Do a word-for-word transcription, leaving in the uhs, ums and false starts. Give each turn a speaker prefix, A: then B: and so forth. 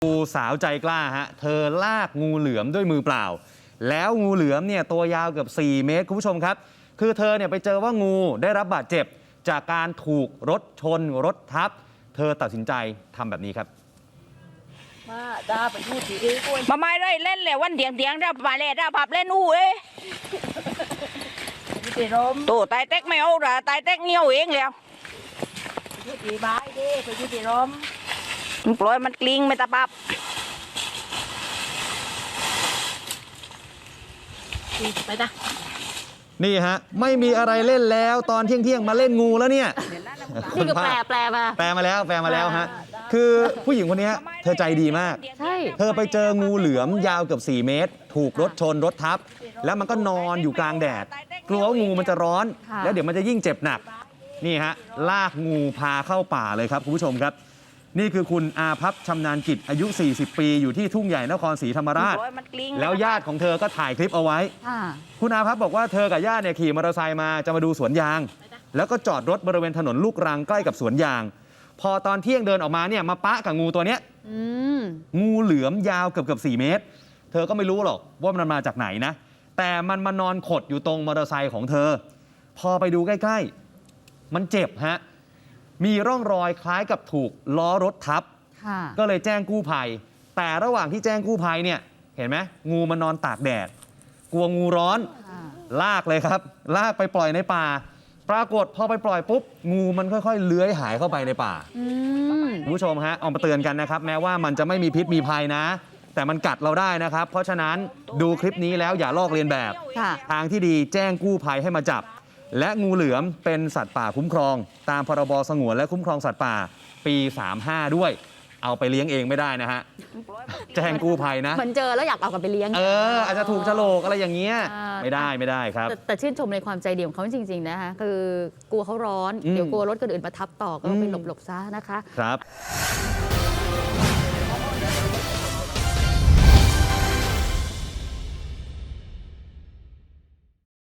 A: ดูสาวใจกล้าฮะเธอลากงูเหลือมด้วยมือเปล่าแล้วงูเหลือมเนี่ยตัวยาวเกือบสี่เมตรคุณผู้ชมครับคือเธอเนี่ยไปเจอว่างูได้รับบาดเจ็บจากการถูกรถชนรถทับเธอตัดสินใจทำแบบนี้ครับ
B: มาดาไปพูดทีเอ้ย
C: มาไม่ได้เล่นเลยวันเดียงเดียงเรามาเล่นเราพับเล่นอู้เอ้ย
B: ไปรม
C: โตตายเต็กไม่เอาละตายเต็กเงี้ยวเองแล้ว
B: ไปพูดทีบายดิไปพูดทีรม
C: มันปล่อยมันกลิ้งไม่ตะปับ
B: ไปจ้ะ
A: นี่ฮะไม่มีอะไรเล่นแล้วตอนเที่ยงเที่ยงมาเล่นงูแล้วเนี่ย
B: นี่ก็แปลแปลมา
A: แปลมาแล้วแปลมาแล้วฮะคือผู้หญิงคนนี้เธอใจดีมาก
B: ใช่
A: เธอไปเจองูเหลือมยาวเกือบสี่เมตร ถูกรถชนรถทับแล้วมันก็นอนอยู่กลางแดดกลัวว่างูมันจะร้อนแล้วเดี๋ยวมันจะยิ่งเจ็บหนักนี่ฮะลากงูพาเข้าป่าเลยครับคุณผู้ชมครับนี่คือคุณอาภัพชำนาญกิจอายุสี่สิบปีอยู่ที่ทุ่งใหญ่นครศรีธรรมราชแล้วญาติของเธอก็ถ่ายคลิปเอาไว้คุณอาภัพบอกว่าเธอกับญาติเนี่ยขี่มอเตอร์ไซค์มาจะมาดูสวนยางแล้วก็จอดรถบริเวณถนนลูกรังใกล้กับสวนยางพอตอนเที่ยงเดินออกมาเนี่ยมาปะกับงูตัวเนี้ยงูเหลือมยาวเกือบเกือบสี่เมตรเธอก็ไม่รู้หรอกว่ามันมาจากไหนนะแต่มันมานอนขดอยู่ตรงมอเตอร์ไซค์ของเธอพอไปดูใกล้ๆมันเจ็บฮะมีร่องรอยคล้ายกับถูกล้อรถทับก็เลยแจ้งกู้ภัยแต่ระหว่างที่แจ้งกู้ภัยเนี่ยเห็นไหมงูมันนอนตากแดดกลัวงูร้อนลากเลยครับลากไปปล่อยในป่าปรากฏพอไปปล่อยปุ๊บงูมันค่อยๆเลื้อยหายเข้าไปในป่าคุณผู้ชมฮะเอามาเตือนกันนะครับแม้ว่ามันจะไม่มีพิษมีภัยนะแต่มันกัดเราได้นะครับเพราะฉะนั้นดูคลิปนี้แล้วอย่าลอกเลียนแบบทางที่ดีแจ้งกู้ภัยให้มาจับและงูเหลือมเป็นสัตว์ป่าคุ้มครองตามพรบสงวนและคุ้มครองสัตว์ป่าปีสามสิบห้าด้วยเอาไปเลี้ยงเองไม่ได้นะฮะแจ้งกู้ภัยนะ
B: เหมือนเจอแล้วอยากเอากลับไปเลี้ยง
A: เอออาจจะถูกโฉลกอะไรอย่างเงี้ยไม่ได้ไม่ได้ครับ
B: แต่แต่ชื่นชมในความใจดีของเขาจริงๆนะคะคือกลัวเขาร้อนเดี๋ยวกลัวรถคนอื่นมาทับต่อก็ไปหลบๆซะนะคะ
A: ครับ